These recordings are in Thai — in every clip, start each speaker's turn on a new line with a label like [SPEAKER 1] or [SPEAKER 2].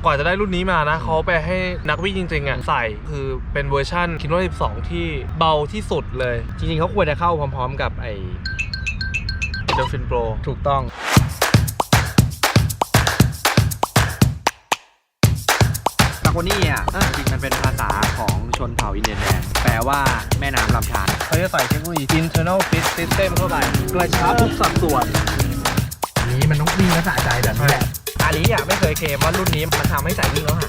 [SPEAKER 1] กว่าจะได้รุ่นนี้มานะเขาไปให้นักวิ่งจริงๆอ่ะใส่คือเป็นเวอร์ชันคินวา12ที่เบาที่สุดเลย
[SPEAKER 2] จริงๆเขาควรจะเข้าพร้อมๆกับไอ้
[SPEAKER 1] Endorphin Pro
[SPEAKER 2] ถูกต้องซาโกนี่อ่ะจริงมันเป็นภาษาของชนเผ่าอินเดียนแดงแปลว่าแม่น้ำลำธาร
[SPEAKER 1] เขาจะใส่เทคโนโลยี Internal Fit System เข้าไปกระชับทุกสัดส่วน
[SPEAKER 3] อันนี้มันต้องวิ่งและสะใจแบบนี้แหละ
[SPEAKER 2] อาลีอ่ะไม่เคยเคลมว่ารุ่นนี้มันทำให้ใส่วิ่งแล้วหะ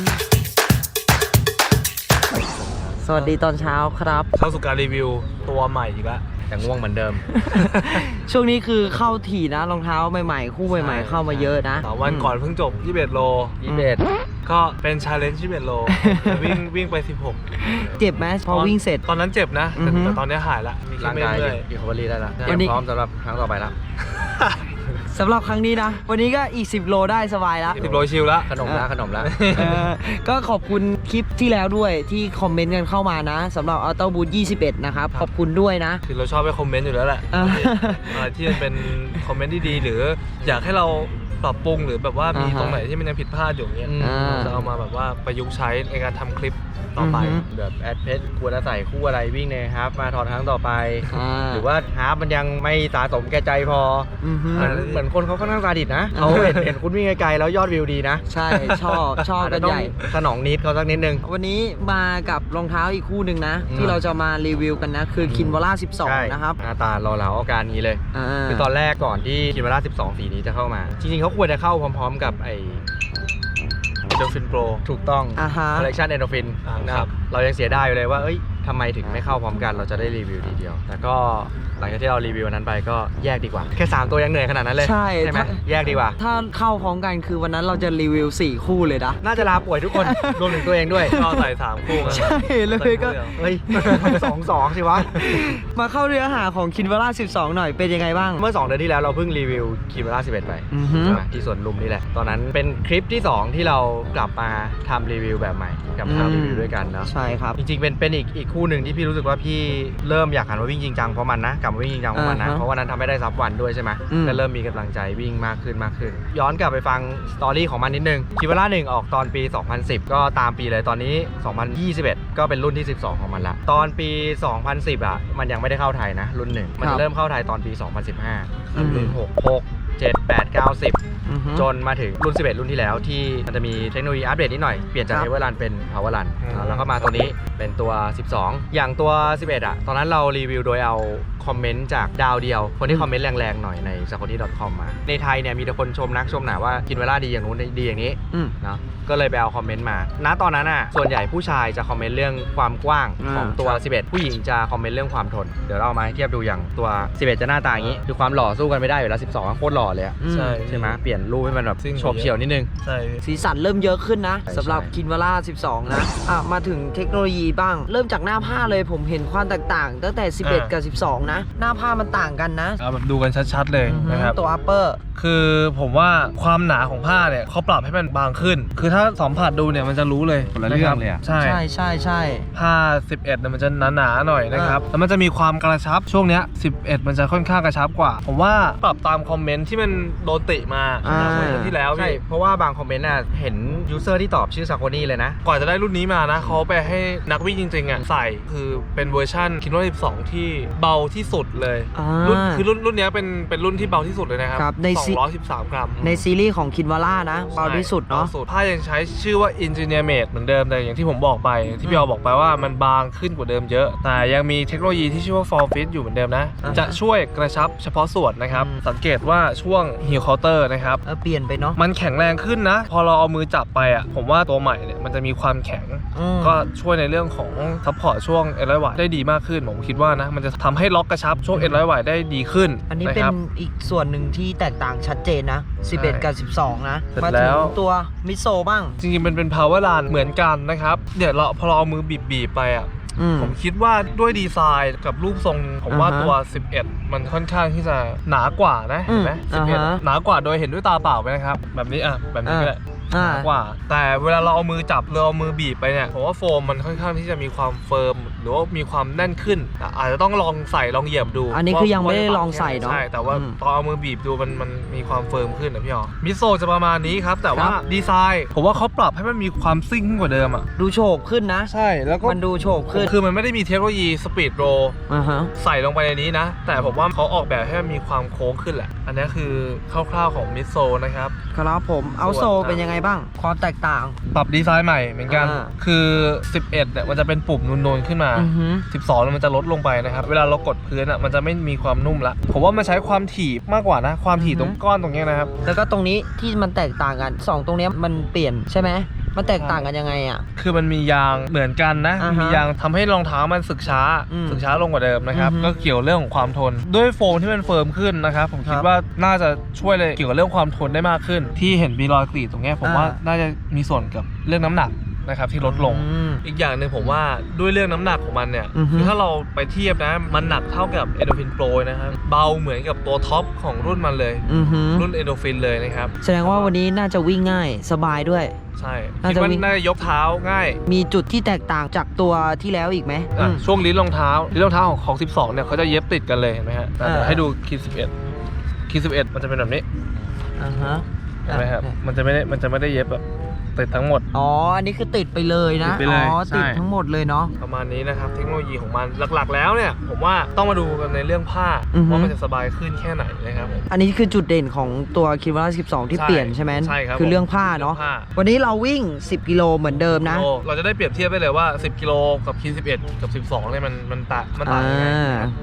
[SPEAKER 4] สวัสดีตอนเช้าครับ
[SPEAKER 1] เข้าสู่การรีวิวตัวใหม่อีกแล้ว
[SPEAKER 2] แต่ง่วงเหมือนเดิม
[SPEAKER 4] ช่วงนี้คือเข้าถี่นะรองเท้าใหม่ๆคู่ใหม่ๆเข้ามาเยอะนะ
[SPEAKER 1] วันก่อนเพิ่งจบ21โลก็เป็น challenge 21โลวิ่งไป16
[SPEAKER 4] เจ็บไหมพอวิ่งเสร็จ
[SPEAKER 1] ตอนนั้นเจ็บนะแต่ตอนนี้หายละ
[SPEAKER 2] ร่างกายรีคอเวอรี่ได้แล้วพร้อมสำหรับครั้งต่อไปแล้ว
[SPEAKER 4] สำหรับครั้งนี้นะวันนี้ก็อีก10โลได้สบายแล้ว
[SPEAKER 1] 10โลชิลแล้ว
[SPEAKER 2] ขนมแล้ว
[SPEAKER 4] ก็ขอบคุณคลิปที่แล้วด้วยที่คอมเมนต์กันเข้ามานะสำหรับ Auto Boost 21นะครับขอบคุณด้วยนะ
[SPEAKER 1] คือเราชอบไปคอมเมนต์อยู่แล้วแหละที่มันเป็นคอมเมนต์ที่ดีหรืออยากให้เราปรับปรุงหรือแบบว่ามีตรงไหนที่มันยังผิดพลาดอยู่เงี้ยจะเอามาแบบว่าประยุกต์ใช้ในการทำคลิปต่อไป
[SPEAKER 2] แบบแอดเพจควรจะใส่คู่อะไรวิ่งในฮาล์ฟมาทอนครั้งต่อไปหรือว่าฮาล์ฟมันยังไม่สะสมแก่ใจพอเหมือนคนเขาค่อนข้างซาดิสนะเขาเห็นคุณวิ่งไกลๆแล้วยอดวิวดีนะ
[SPEAKER 4] ใช่ชอบกันใหญ่
[SPEAKER 2] สนองนิดเขาสักนิดนึง
[SPEAKER 4] วันนี้มากับรองเท้าอีกคู่หนึ่งนะที่เราจะมารีวิวกันนะคือคินวาร่า12นะครับ
[SPEAKER 2] หน้าตาหล่อเหลาอาการนี้เลยคือตอนแรกก่อนที่คินวาร่า12สีนี้จะเข้ามาจริงๆเขาควรจะเข้าพร้อมๆกับไอ้
[SPEAKER 1] Endorphin Pro
[SPEAKER 2] ถูกต้อง Collection Endorphin นะครับเรายังเสียดายอยู่เลยว่าทำไมถึงไม่เข้าพร้อมกันเราจะได้รีวิวทีเดียวแต่ก็หลังจากที่เรารีวิวนั้นไปก็แยกดีกว่าแค่3ตัวยังเหนื่อยขนาดนั้นเลย
[SPEAKER 4] ใช่
[SPEAKER 2] ไหมแยกดีกว่า
[SPEAKER 4] ถ้าเข้าพร้อมกันคือวันนั้นเราจะรีวิว4คู่เลยนะ
[SPEAKER 2] น่าจะลาป่วยทุกคนรวมถึงตัวเองด้วย
[SPEAKER 1] เราใส่3คู่
[SPEAKER 4] ใช่เลยก็
[SPEAKER 2] 2 สิวะ
[SPEAKER 4] มาเข้าเนื้อหาของคินวาร่า12หน่อยเป็นยังไงบ้าง
[SPEAKER 2] เมื่อ2 เดือนที่แล้วเราเพิ่งรีวิวคินวาร่า11ไปที่สวนลุมนี่แหละตอนนั้นเป็นคลิปที่2ที่เรากลับมาทำรีวิวแบบใหม่กับทำรีวิวด้วยกันเนาะ
[SPEAKER 4] ใช่ครับ
[SPEAKER 2] จริงๆเป็นอีกคู่หนึ่งที่พี่รู้สึกว่าพี่เริ่มอยากหันมาวิ่งจริงจังเพราะมันนะกลับมาวิ่งจริงจังเพราะมันนะเพราะวันนั้นทำไม่ได้ซับวันด้วยใช่ไหมก็เริ่มมีกำลังใจวิ่งมากขึ้นย้อนกลับไปฟังสตอรี่ของมันนิดนึงคินวาร่า1ออกตอนปี2010ก็ตามปีเลยตอนนี้2021ก็เป็นรุ่นที่12ของมันละตอนปี2010อ่ะมันยังไม่ได้เข้าไทยนะรุ่น1มันจะเริ่มเข้าไทยตอนปี2015รุ่น6 7 8 9 10จนมาถึงรุ่น11รุ่นที่แล้วที่มันจะมีเทคโนโลยีอัปเดตนิดหน่อยเปลี่ยนจากเอเวอร์รันเป็นพาวเวอร์รันแล้วก็มาตัวนี้เป็นตัว12อย่างตัว11อ่ะตอนนั้นเรารีวิวโดยเอาคอมเมนต์จากดาวเดียวคนที่คอมเมนต์แรงๆหน่อยใน sakoni.com มาในไทยเนี่ยมีแต่คนชมนักชมหนาว่าคินวาร่าดีอย่างนู้นดีอย่างนี้เนาะก็เลยไปเอาคอมเมนต์มาณตอนนั้นอ่ะส่วนใหญ่ผู้ชายจะคอมเมนต์เรื่องความกว้างของตัว11ผู้หญิงจะคอมเมนต์เรื่องความทนเดี๋ยวเราเอามาเทียบดูอย่างตัว11จะหน้าตาอย่างนี้คือความหล่อสู้กันไม่ได้อยู่แล้ว12โคตรหล่อเลยใช่ไหมเปลี่ยนรูปให้มันแบบโฉบเฉี่ยวนิดนึง
[SPEAKER 1] ใช่
[SPEAKER 4] สีสันเริ่มเยอะขึ้นนะสำหรับคินวาร่า12นะมาถึงเทคโนโลยีบ้างเริ่มจากหน้าผ้าเลยผมเห็นความแตกต่างตั้งแต่11กับ12นะหน้าผ้ามันต่างกันนะ
[SPEAKER 1] แบบดูกันชัดๆเลยนะครับ
[SPEAKER 4] ตัว upper
[SPEAKER 1] คือผมว่าความหนาของผ้าเนี่ยเขาปรับให้มันบางขึ้นคือถ้าสัมผัสดูเนี่ยมันจะรู้เลย
[SPEAKER 2] คนละเรื่องเลย
[SPEAKER 1] ใช่ผ้า11เนี่ยมันจะหนาๆหน่อยนะครับแล้วมันจะมีความกระชับช่วงเนี้ย11มันจะค่อนข้างกระชับกว่าผมว่าปรับตามคอมเมนต์ที่มันโดนติมาที่แล้ว
[SPEAKER 2] ใช่เพราะว่าบางคอมเมนต์น่ะเห็นยูเซอร์ที่ตอบชื่อซาโคนี่เลยนะ
[SPEAKER 1] กว่าจะได้รุ่นนี้มานะเขาไปให้นักวิ่งจริงๆอ่ะใส่คือเป็นเวอร์ชันคินวาร่า12ที่เบาที่สุดเลยรุ่นนี้เป็นรุ่นที่เบาที่สุดเลยนะครับ213 กรัม
[SPEAKER 4] ในซีรีส์ของคินวาร่านะเบาที่สุดเนาะ
[SPEAKER 1] ผ้ายังใช้ชื่อว่า Engineer Made เหมือนเดิมแต่อย่างที่ผมบอกไปที่พี่ออบอกไปว่ามันบางขึ้นกว่าเดิมเยอะแต่ยังมีเทคโนโลยีที่ชื่อว่า Form Fit อยู่เหมือนเดิมนะจะช่วยกระชับเฉพาะส่วนนะครับสังเกตว่าช่วง heel counter นะครับ
[SPEAKER 4] เปลี่ยนไปเนาะ
[SPEAKER 1] มันแข็งแรงขึ้นนะพอเราเอามือจับไปอ่ะผมว่าตัวใหม่เนี่ยมันจะมีความแข็งก็ช่วยในเรื่องของซัพพอร์ตช่วงเอ็นร้อยวัตต์ได้ดีมากขึ้นผมคิดว่านะมันจะทำให้ล็อกกระชับช่วงเอ็นร้อยวัตต์ได้ดีขึ้น
[SPEAKER 4] อันนี้เป็นอีกส่วนหนึ่งที่แตกต่างชัดเจนนะ11กับ12นะมาถึงตัวมิโซบ้าง
[SPEAKER 1] จริงๆมันเป็น power run เหมือนกันนะครับเดี๋ยวพอเราเอามือบีบไปอ่ะผมคิดว่าด้วยดีไซน์กับรูปทรงผมว่าตัว11มันค่อนข้างที่จะหนากว่านะเห็นไหม11หนากว่าโดยเห็นด้วยตาเปล่าไหมนะครับแบบนี้แบบนี้ก็ได้หนากว่า แต่เวลาเราเอามือจับหรือเอามือบีบไปเนี่ยผมว่าโฟมมันค่อนข้างที่จะมีความเฟิร์มหรือว่ามีความแน่นขึ้นอาจจะต้องลองใส่ลองเหยียบดู
[SPEAKER 4] อันนี้คือยังไม่ได้ลองใส่เนาะ
[SPEAKER 1] ใช่แต่ว่าตอนเอามือบีบดูมันมีความเฟิร์มขึ้นนะพี่อ๋อมิโซจะประมาณนี้ครับแต่ว่าดีไซน์ผมว่าเขาปรับให้มันมีความซิ่งกว่าเดิมอ่ะ
[SPEAKER 4] ดูโฉบขึ้นนะ
[SPEAKER 1] ใช่แล้วก็
[SPEAKER 4] มันดูโฉบขึ้น
[SPEAKER 1] คือมันไม่ได้มีเทคโนโลยีสปีดโรใส่ลงไปในนี้นะแต่ผมว่าเขาออกแบบให้มันมีความโค้งขึ้นแหละอันนี้คือคร่าวๆของมิโซนะครับ
[SPEAKER 4] ครับผมเอาโซเป็นยังไงบ้างความแตกต่าง
[SPEAKER 1] ปรับดีไซน์ใหม่เหมือนกันคือ11เนี่ยมันจะเป็นปุ่มนูนๆขึ้นมา12มันจะลดลงไปนะครับเวลาเรากดพื้นอ่ะมันจะไม่มีความนุ่มละผมว่ามันใช้ความถี่มากกว่านะความถี่ตรงก้อนตรงนี้นะครับ
[SPEAKER 4] แล้วก็ตรงนี้ที่มันแตกต่างกัน2ตรงนี้มันเปลี่ยนใช่ไหมมันแตกต่างกันยังไงอ่ะ
[SPEAKER 1] คือมันมียางเหมือนกันนะมียางทำให้รองเท้ามันสึกช้าลงกว่าเดิมนะครับก็เกี่ยวเรื่องของความทนด้วยโฟมที่มันเฟิร์มขึ้นนะครับผมคิดว่าน่าจะช่วยเลยเกี่ยวกับเรื่องความทนได้มากขึ้นที่เห็นมีรอยกรีดตรงนี้ผมว่าน่าจะมีส่วนกับเรื่องน้ำหนักนะครับที่ลดลงอีกอย่างหนึ่งผมว่าด้วยเรื่องน้ำหนักของมันเนี่ยคือถ้าเราไปเทียบนะมันหนักเท่ากับ Endorphin Pro นะครับเบาเหมือนกับตัวท็อปของรุ่นมันเลยรุ่น Endorphin เลยนะครับ
[SPEAKER 4] แสดงว่าวันนี้น่าจะวิ่งง่ายสบายด้วย
[SPEAKER 1] ใช่คิดว่าน่าจะยกเท้าง่าย
[SPEAKER 4] มีจุดที่แตกต่างจากตัวที่แล้วอีกไหม
[SPEAKER 1] ช่วงลิ้นรองเท้าของ12เนี่ยเขาจะเย็บติดกันเลยเห็นไหมฮะให้ดูคีด11มันจะเป็นแบบนี้เห็นไหมครับมันจะไม่ได้เย็บแบบติดทั้งหมด
[SPEAKER 4] อ๋ออันนี้คือติดไปเลยนะอ๋อติดทั้งหมดเลยเนาะ
[SPEAKER 1] ประมาณนี้นะครับเทคโนโลยีของมันหลักๆแล้วเนี่ยผมว่าต้องมาดูกันในเรื่องผ้าว่ามันจะสบายขึ้นแค่ไหนนะครับ
[SPEAKER 4] อันนี้คือจุดเด่นของตัวคิวาร่า12ที่เปลี่ยนใช่ไหม
[SPEAKER 1] ใช่ครับ
[SPEAKER 4] คือเรื่องผ้าเนาะวันนี้เราวิ่ง10กิโลเหมือนเดิมนะ
[SPEAKER 1] เราจะได้เปรียบเทียบได้เลยว่า10กิโลกับคี11กับ12เนี่ยมันต่างยังไง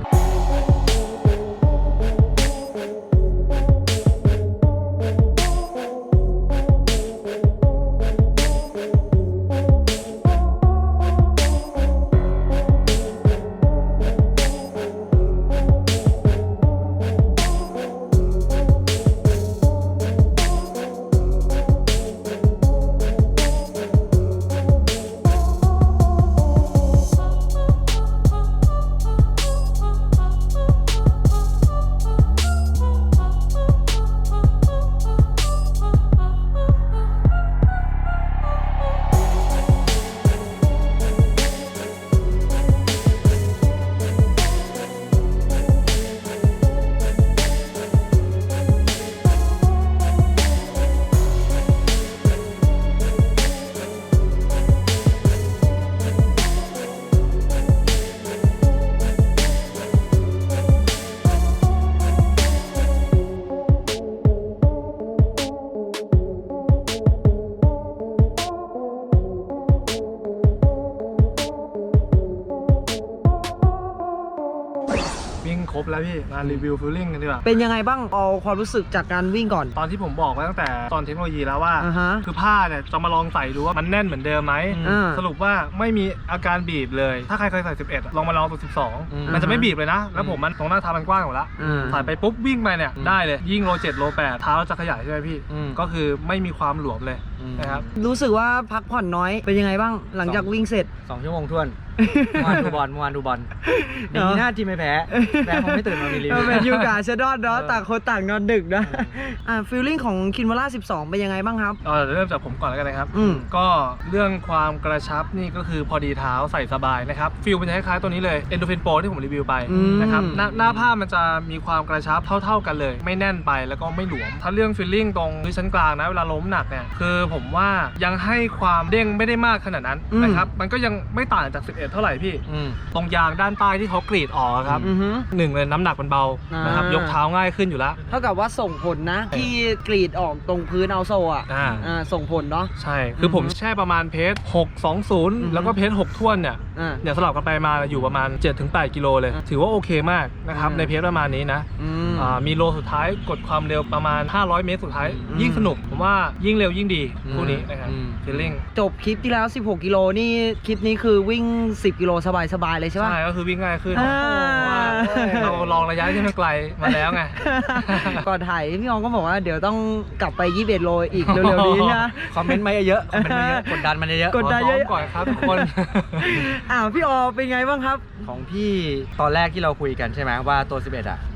[SPEAKER 1] ครบแล้วพี่มารีวิวฟีลลิ่งกันดีกว่า
[SPEAKER 4] เป็นยังไงบ้างเอาความรู้สึกจากการวิ่งก่อน
[SPEAKER 1] ตอนที่ผมบอกไว้ตั้งแต่ตอนเทคโนโลยีแล้วว่าคือผ้าเนี่ยจะมาลองใส่ดูว่ามันแน่นเหมือนเดิมไหมสรุปว่าไม่มีอาการบีบเลยถ้าใครเคยใส่11ลองมาลองตัว12มันจะไม่บีบเลยนะแล้วผมมันตรงหน้าเท้ามันกว้างหมดแล้วใส่ไปปุ๊บวิ่งไปเนี่ยได้เลยยิ่งโล7โล8เท้าจะขยายใช่ไหมพี่ก็คือไม่มีความหลวมเลยนะครับ
[SPEAKER 4] รู้สึกว่าพักผ่อนน้อยเป็นยังไงบ้างหลังจากวิ่งเสร็จ
[SPEAKER 2] 2 ชั่วโมงท้วนเมื่อวานดูบอลดีหน้าทีมไม่แพ้ผมไม่ตื่นมามีรีวิว
[SPEAKER 4] เป็นยูกาเชดอนเนาะต่างคนต่างนอนดึกนะฟีลลิ่งของคินวาร่า12เป็นยังไงบ้างครับ
[SPEAKER 1] เริ่มจากผมก่อนแล้วกันนะครับก็เรื่องความกระชับนี่ก็คือพอดีเท้าใส่สบายนะครับฟีลเป็นคล้ายๆตัวนี้เลย Endorphin Pro ที่ผมรีวิวไปนะครับหน้าผ้ามันจะมีความกระชับเท่ากันเลยไม่แน่นไปแล้วก็ไม่หลวมถ้าเรื่องฟีลลิ่งตรงชั้นกลางนะเวลาล้มหนักเนี่ยคือผมว่ายังให้ความเด้งไม่ได้มากขนาดนั้นนะครับมันก็ยังไม่ต่างจาก11เท่าไหร่พี่ตรงยางด้านใต้ที่เขากรีดออกครับ1เลยน้ำหนักมันเบานะครับยกเท้าง่ายขึ้นอยู่แล้ว
[SPEAKER 4] เท่ากับว่าส่งผลนะที่กรีดออกตรงพื้นเอาโซ่ส่งผลเนาะ
[SPEAKER 1] ใช่คือผมแช่ประมาณเพจ620แล้วก็เพจ6ท่วนเนี่ยสลับกันไปมาอยู่ประมาณ 7-8 กิโลเลยถือว่าโอเคมากนะครับในเพจประมาณนี้นะมีโลสุดท้ายกดความเร็วประมาณ500 เมตรสุดท้ายยิ่งสนุกผมว่ายิ่งเร็วยิ่งดีคู่นี้นะครับฟีลลิ่ง
[SPEAKER 4] จบคลิปที่แล้ว16กิโลนี่คลิปนี้คือวิ่ง10กิโลสบายๆเลยใช่ไหม
[SPEAKER 1] ใช่ก็คือวิ่งง่ายขึ้นเราลองระยะที่มันไกลมาแล้วไง
[SPEAKER 4] ก่อนถ่ายพี่อองก็บอกว่าเดี๋ยวต้องกลับไป21โลอีกเร็วๆนี้นะ
[SPEAKER 2] คอมเมนต์มาเยอะกดดันมันเยอะ
[SPEAKER 4] กดดันเยอะ
[SPEAKER 1] ก่อนครับทุกคน
[SPEAKER 4] พี่ออเป็นไงบ้างครับ
[SPEAKER 2] ของพี่ตอนแรกที่เราคุยกันใช่ไหมว่าตัว11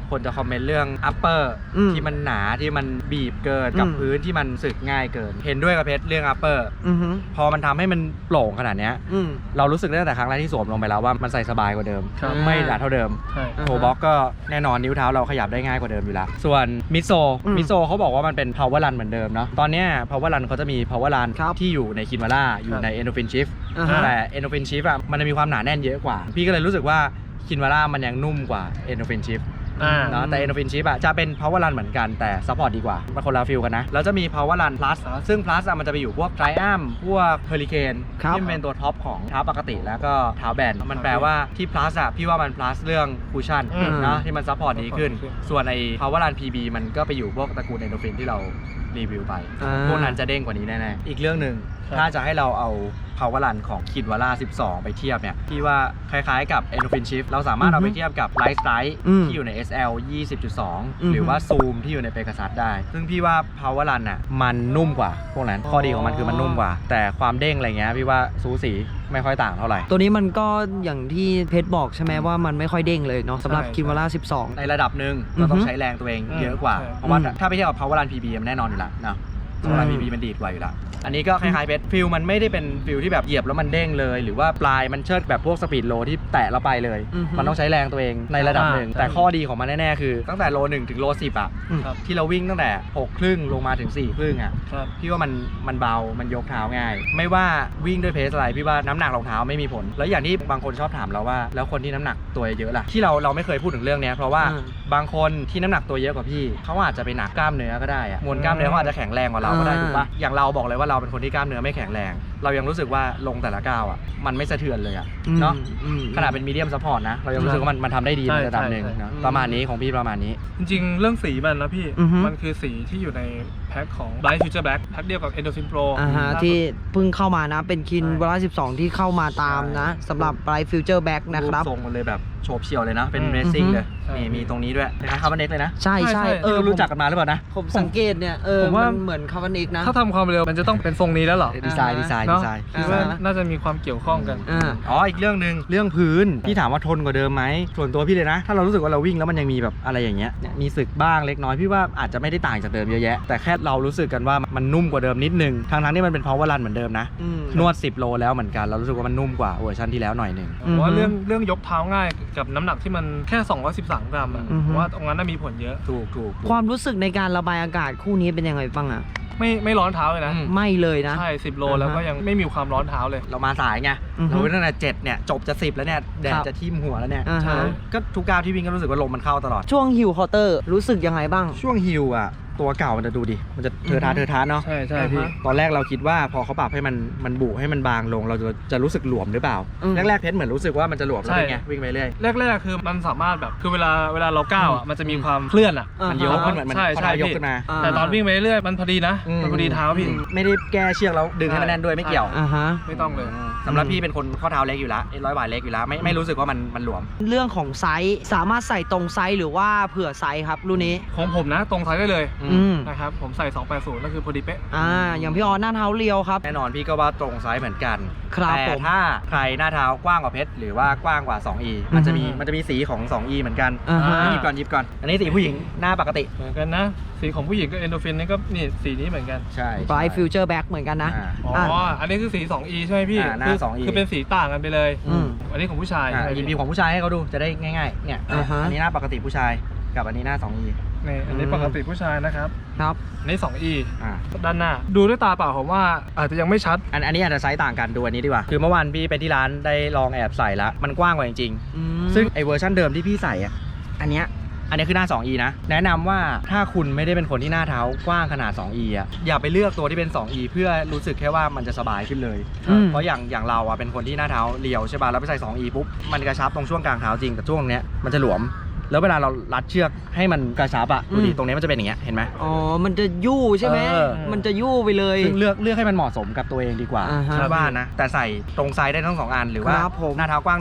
[SPEAKER 2] คนจะคอมเมนต์เรื่อง upper ที่มันหนาที่มันบีบเกินกับพื้นที่มันสึกง่ายเกินเห็นด้วยกับเพชรเรื่อง upper พอมันทำให้มันโปร่งขนาดเนี้ยเรารู้สึกตั้งแต่ครั้งแรกที่สวมลงไปแล้วว่ามันใส่สบายกว่าเดิม
[SPEAKER 1] ครับ
[SPEAKER 2] ไม่หนาเท่าเดิม
[SPEAKER 1] ใช่
[SPEAKER 2] โทบ็อกก็แน่นอนนิ้วเท้าเราขยับได้ง่ายกว่าเดิมอยู่แล้วส่วนมิโซเขาบอกว่ามันเป็น power run เหมือนเดิมเนาะตอนเนี้ย power run เขาจะมี power run ที่อยู่ในคินวาร่าอยู่ใน endorphin shift แต่ endorphin shift อะมันจะมีความหนาแน่นเยอะกว่าพี่ก็เลยรู้สึกว่าคินวาร่ามันยังนุ่มกว่า endorphin shift เนาะแต่ endorphin shift อะจะเป็น power run เหมือนกันแต่ support ดีกว่ามันคนละฟิลกันนะแล้วจะมี power run plus ซึ่ง plus อะมันจะไปอยู่พวก triumph พวก hurricane ที่มันเป็นตัวท็อปของเท้าปกติแล้วก็เท้าแบนมันแปลว่าที่ plus อะพี่ว่ามัน plus เรื่อง cushion เนาะที่มัน support ดีขึ้นส่วนไอ้ power run PB มันก็ไปอยู่พวกตระกูล endorphin ที่เรารีวิวไปพวกนั้นจะเด้งกว่านี้แน่ๆอีกเรื่องหนึ่งถ้าจะให้เราเอา power run ของคินวาร่า12 ไปเทียบเนี่ยพี่ว่าคล้ายๆกับ endorphin shift เราสามารถเอาไปเทียบกับ light strike ที่อยู่ใน SL 20.2 หรือว่า zoom ที่อยู่ใน Pegasus ได้ซึ่งพี่ว่า power run อ่ะมันนุ่มกว่าพวกนั้นข้อดีของมันคือมันนุ่มกว่าแต่ความเด้งอะไรเงี้ยพี่ว่าสูสีไม่ค่อยต่างเท่าไหร่
[SPEAKER 4] ตัวนี้มันก็อย่างที่เพชรบอกใช่ไหมว่ามันไม่ค่อยเด้งเลยเนาะสำหรับคินวาร่า12
[SPEAKER 2] ในระดับหนึ่งเราต้องใช้แรงตัวเองเยอะกว่าเพราะว่าถ้าไปเทียบกับ power run PB มันแน่นอนอยู่แล้วเนาะpower run PB มันดีดกว่าอยู่แล้วอันนี้ก็คล้ายๆเพชรฟิลมันไม่ได้เป็นฟิลที่แบบเหยียบแล้วมันเด้งเลยหรือว่าปลายมันเชิดแบบพวกสปีดโลที่แตะเราไปเลยมันต้องใช้แรงตัวเองในระดับหนึ่งแต่ข้อดีของมันแน่ๆคือตั้งแต่โล1ถึงโล10อ่ะที่เราวิ่งตั้งแต่6ครึ่งลงมาถึง4ครึ่งอ่ะพี่ว่ามันเบามันยกเท้าง่ายไม่ว่าวิ่งด้วยเพสอะไรพี่ว่าน้ำหนักรองเท้าไม่มีผลแล้วอย่างที่บางคนชอบถามเราว่าแล้วคนที่น้ำหนักตัวเยอะล่ะที่เราไม่เคยพูดถึงเรื่องนี้เพราะว่าบางคนที่น้ำหนักตัวเยอะกว่าพี่เขาอาจจะไปหนักกล้ามเนื้อก็ได้อะมวลกล้ามเนื้อเขาอาจจะแข็งแรงกว่าเราก็ได้ถูกปะอย่างเราบอกเลยว่าเราเป็นคนที่กล้ามเนื้อไม่แข็งแรงเรายังรู้สึกว่าลงแต่ละก้าวอ่ะมันไม่สะเทือนเลยอ่ะเนาะขนาดเป็นมีเดียมซัพพอร์ตนะเรายังรู้สึกว่ามันทำได้ดีในระดับหนึ่งนะประมาณนี้ของพี่ประมาณนี้
[SPEAKER 1] จริงๆเรื่องสีมันนะพี่มันคือสีที่อยู่ในแพ็คของ Bright Future Black แพ็คเดียวกับ Endorphin Pro
[SPEAKER 4] ที่เพิ่งเข้ามานะเป็นคินวาร่า12ที่เข้ามาตามนะสำหรับ Bright Future Black นะครับ
[SPEAKER 2] ทรงมันเลยแบบโฉบเฉี่ยวเลยนะเป็นเรซิ่งเลยนี่มีตรงนี้ด้วยคล้ายๆคาร์บอนเน็กเลยนะ
[SPEAKER 4] ใช่ใช่
[SPEAKER 2] รู้จักกันมาหรือเปล่านะ
[SPEAKER 4] ผมสังเกตเนี่ยผมว่าเหมือนคาร์บอนเน็กนะ
[SPEAKER 1] ถ้าทำความเร็วมันจะต้องเป็นทรงนี้แล้วหรอ
[SPEAKER 2] ดีไซน์
[SPEAKER 1] คิดว่าน่าจะมีความเกี่ยวข้องกัน
[SPEAKER 2] อ๋ออีกเรื่องนึงเรื่องพื้นพี่ถามว่าทนกว่าเดิมไหมส่วนตัวพี่เลยนะถ้าเรารู้สึกว่าเราวิ่งแล้วมันยังมีแบบอะไรอย่างเงี้ยมีสึกบ้างเล็กน้อยพี่ว่าอาจจะไม่ได้ต่างจากเดิมเยอะแยะแต่แค่เรารู้สึกกันว่ามันนุ่มกว่าเดิมนิดนึงทั้งที่มันเป็น power run เหมือนเดิมนะนวด10 โลแล้วเหมือนกันเรารู้สึกว่ามันนุ่มกว่าเวอร์ชันที่แล้วหน่อยนึง
[SPEAKER 1] ว่าเรื่องยกเท้าง่ายกับน้ำหนักที่มันแค่213 กรัมอ่ะว่าตรงนั้นมีผลเยอะ
[SPEAKER 2] ถูก
[SPEAKER 4] ความรู้สึกในการระบายอากาศคู่นี้เป็นยังไงบ้างอ่ะ
[SPEAKER 1] ไม่ร้อนเท้าเลยนะ
[SPEAKER 4] ไม่เลยนะ
[SPEAKER 1] ใช่10 โลแล้วก็ยังไม่มีความร้อนเท้าเลย
[SPEAKER 2] เรามาสายไงเราวิ่งตั้งแต่7เนี่ยจบจะ10แล้วเนี่ยแดดจะทิ่มหัวแล้วเนี่ยก็ทุกก้าวที่วิ่งก็รู้สึกว่าลมมันเข้าตลอด
[SPEAKER 4] ช่วงฮิลคอร์เตอร์รู้สึกยังไงบ้าง
[SPEAKER 2] ช่วงฮิลอ่ะตัวเก่ามันจะดูดิมันจะเทอะทะเนาะ
[SPEAKER 1] ใช่พี่
[SPEAKER 2] ตอนแรกเราคิดว่าพอเขาปรับให้มันบุให้มันบางลงเราจะรู้สึกหลวมหรือเปล่าแรกเพชรเหมือนรู้สึกว่ามันจะหลวมแล้วเป็นไงวิ่งไปเรื่อย
[SPEAKER 1] แรกคือมันสามารถแบบคือเวลาเราก้าวอ่ะมันจะมีความเคลื่อนอ่ะ
[SPEAKER 2] มันยกขึ้นเหมือน
[SPEAKER 1] ใช่
[SPEAKER 2] ยกขึ้นมา
[SPEAKER 1] แต่ตอนวิ่งไปเรื่อยมันพอดีนะมันพอดีเท้าพี่
[SPEAKER 2] ไม่ได้แก้เชือกแล้วดึงให้มันแน่นด้วยไม่เกี่ยว
[SPEAKER 1] ไม่ต้องเลย
[SPEAKER 2] สำหรับพี่เป็นคนข้อเท้าเล็กอยู่แล้ว100 บาทเล็กอยู่แล้วไม่รู้สึกว่ามันหลวม
[SPEAKER 4] เรื่องของไซส์สามารถใส่ตรงไซส์หรือว่าเผื่อไซส์ครับรุ่นนี้
[SPEAKER 1] ของผมนะตรงไซส์ได้เลยนะครับผมใส่280นั่นคือพอดีเป๊ะ
[SPEAKER 4] อย่างพี่ออนหน้าเท้าเรียวครับ
[SPEAKER 2] แน่นอนพี่ก็ว่าตรงไซส์เหมือนกัน
[SPEAKER 4] แต่
[SPEAKER 2] ถ้าใครหน้าเท้ากว้างกว่าเพชรหรือว่ากว้างกว่า 2E มันจะมีสีของ 2E เหมือนกันหยิบก่อนอันนี้สีผู้หญิงหน้าปกติ
[SPEAKER 1] เหมือนกันนะสีของผู้หญิงก็ Endorphin นี่ก็นี่สีนี้เหมือนกัน
[SPEAKER 2] ใช่
[SPEAKER 4] Bright Future Black เหมือนกันนะ
[SPEAKER 1] อันนี้คือสี 2E ใช่ไหมพี่
[SPEAKER 2] หน้า 2E
[SPEAKER 1] คือเป็นสีต่างกันไปเลยอันนี้ของผู้ชาย
[SPEAKER 2] หยิบของผู้ชายให้เขาดูจะได้ง่ายๆเนี่ยอันนี้หน้าปกติผู้ชายกับอันนี้หน้า 2E
[SPEAKER 1] นี่อันนี้ปกติผู้ชายนะครับ
[SPEAKER 4] ครับ
[SPEAKER 1] นี่ 2E ด้านหน้าดูด้วยตาเปล่าผมว่าอาจจะยังไม่ชัด
[SPEAKER 2] อันนี้อาจจะไซส์ต่างกันดูอันนี้ดีกว่าคือเมื่อวานพี่ไปที่ร้านได้ลองแอบใส่แล้วมันกว้างกว่าจริงๆซึ่งไอเวอร์ชันเดิมที่พี่ใส่อันนี้คือหน้า 2E นะแนะนำว่าถ้าคุณไม่ได้เป็นคนที่หน้าเท้ากว้างขนาด 2E อย่าไปเลือกตัวที่เป็น 2E เพื่อรู้สึกแค่ว่ามันจะสบายขึ้นเลยเพราะอย่างเราเป็นคนที่หน้าเท้าเรียวใช่ป่ะแล้วไปใส่ 2E ปุ๊บมันกระชับตรงช่วงกลางเท้าจริงแต่ช่วงเนี้ยมันจะหลวมแล้วเวลาเรารัดเชือกให้มันกระชับดูดิตรงนี้มันจะเป็นอย่างเงี้ยเห็นไหม
[SPEAKER 4] มันจะยู่ใช่ไหมมันจะยู่ไปเลย
[SPEAKER 2] ซึ่งเลือกให้มันเหมาะสมกับตัวเองดีกว่าคิดว่านะแต่ใส่ตรงไซส์ได้ทั้ง2 อันหรือว่าหน้าเท้ากว้างหน่อย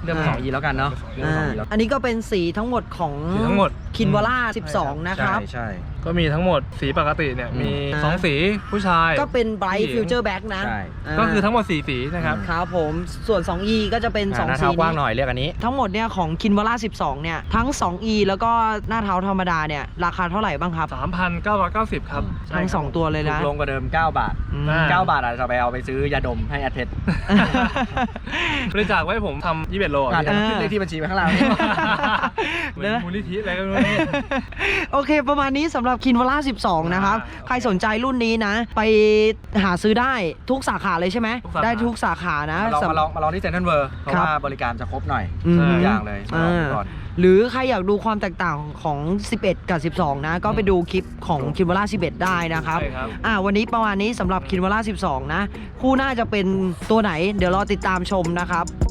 [SPEAKER 2] เรื่อง2 E แล้วกันเนาะเรื่อง2 E แล้ว
[SPEAKER 4] อันนี้ก็เป็นสีทั้งหมดของ
[SPEAKER 1] สีทั้งหมด
[SPEAKER 4] คินวาร่า12 นะครับ
[SPEAKER 2] ใช่
[SPEAKER 1] ก็มีทั้งหมดสีปกติเนี่ยมี
[SPEAKER 4] อ่า
[SPEAKER 1] 2 สีผู้ชาย
[SPEAKER 4] ก็เป็นไบร
[SPEAKER 1] ผู้
[SPEAKER 4] ท์
[SPEAKER 1] หญิง
[SPEAKER 4] ฟิวเจอร์แบ็กนะ
[SPEAKER 2] ใช่
[SPEAKER 1] ก็คือทั้งหมด4 สีนะครับ
[SPEAKER 4] ครับผมส่วน 2E ก็จะเป็น
[SPEAKER 2] หน้า
[SPEAKER 4] 2 สี
[SPEAKER 2] เท้ากว้างห
[SPEAKER 4] นี้
[SPEAKER 2] น่อยเรียกอันนี้
[SPEAKER 4] ทั้งหมดเนี่ยของคินวาร่า12 เนี่ย ทั้ง 2E แล้วก็หน้าเท้าธรรมดาเนี่ย ราคาเท่าไหร่บ้างครับ
[SPEAKER 1] 3,990 ครับ
[SPEAKER 4] ทั้ง 2 ตัวเลย
[SPEAKER 2] ถู
[SPEAKER 4] นะ
[SPEAKER 2] กลงกว่าเดิม9 บาท
[SPEAKER 4] อืม
[SPEAKER 2] 9 บาทอาจจะไปเอาไปซื้อยาดมให้แอดเพชร
[SPEAKER 1] บริจาคไว้ผมทำ21 โล
[SPEAKER 2] อาจจะ
[SPEAKER 1] พี่
[SPEAKER 2] ขึ้นเลขที่บัญชีไปข้างล่าง
[SPEAKER 1] เหมือนมูลนิธิอะไรก็ไม่รู้
[SPEAKER 4] โอเค ประมาณนี้สำหรับคินวาร่า12 นะครับ ใครสนใจรุ่นนี้นะ ไปหาซื้อได้ทุกสาขาเลยใช่ไหม
[SPEAKER 1] ทุกสาขา
[SPEAKER 4] ได้ทุกสาขานะ
[SPEAKER 2] มาลองที่เซ็นทรัลเวิร์เพราะ
[SPEAKER 4] ครับ
[SPEAKER 2] ว่าบริการจะครบหน่อย
[SPEAKER 4] อืม
[SPEAKER 2] ทุกอย่างเลยมาลองดูก่อน
[SPEAKER 4] หรือใครอยากดูความแตกต่างของ 11 กับ 12 นะ ก็ไปดูคลิปของคินวาร่า11 ได้นะครับ
[SPEAKER 1] ใช่ครับ
[SPEAKER 4] วันนี้ประมาณนี้สำหรับคินวาร่า12 นะ คู่หน้าจะเป็นตัวไหน เดี๋ยวรอติดตามชมนะครับ